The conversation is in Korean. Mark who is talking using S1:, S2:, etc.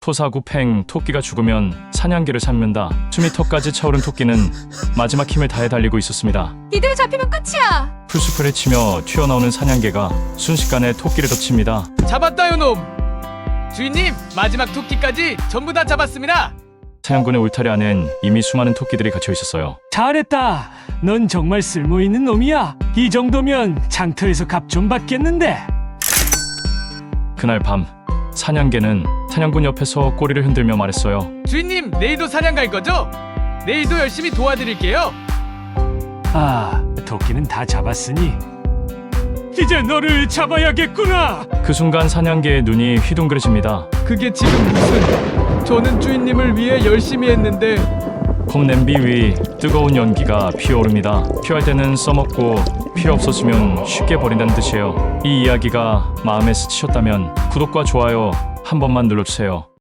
S1: 토사구팽. 토끼가 죽으면 사냥개를 삼는다. 숨이 턱까지 차오른 토끼는 마지막 힘을 다해 달리고 있었습니다.
S2: 이대로 잡히면 끝이야.
S1: 풀숲을 헤치며 튀어나오는 사냥개가 순식간에 토끼를 덮칩니다.
S3: 잡았다 요놈. 주인님, 마지막 토끼까지 전부 다 잡았습니다.
S1: 사냥꾼의 울타리 안엔 이미 수많은 토끼들이 갇혀 있었어요.
S4: 잘했다. 넌 정말 쓸모있는 놈이야. 이 정도면 장터에서 값 좀 받겠는데.
S1: 그날 밤 사냥개는 사냥꾼 옆에서 꼬리를 흔들며 말했어요.
S3: 주인님, 내일도 사냥 갈 거죠? 내일도 열심히 도와드릴게요.
S4: 아, 토끼는 다 잡았으니 이제 너를 잡아야겠구나.
S1: 그 순간 사냥개의 눈이 휘둥그레집니다.
S3: 그게 지금 무슨... 저는 주인님을 위해 열심히 했는데...
S1: 컵냄비 위 뜨거운 연기가 피어오릅니다. 필요할 때는 써먹고 필요 없었으면 쉽게 버린다는 뜻이에요. 이 이야기가 마음에 스치셨다면 구독과 좋아요 한 번만 눌러주세요.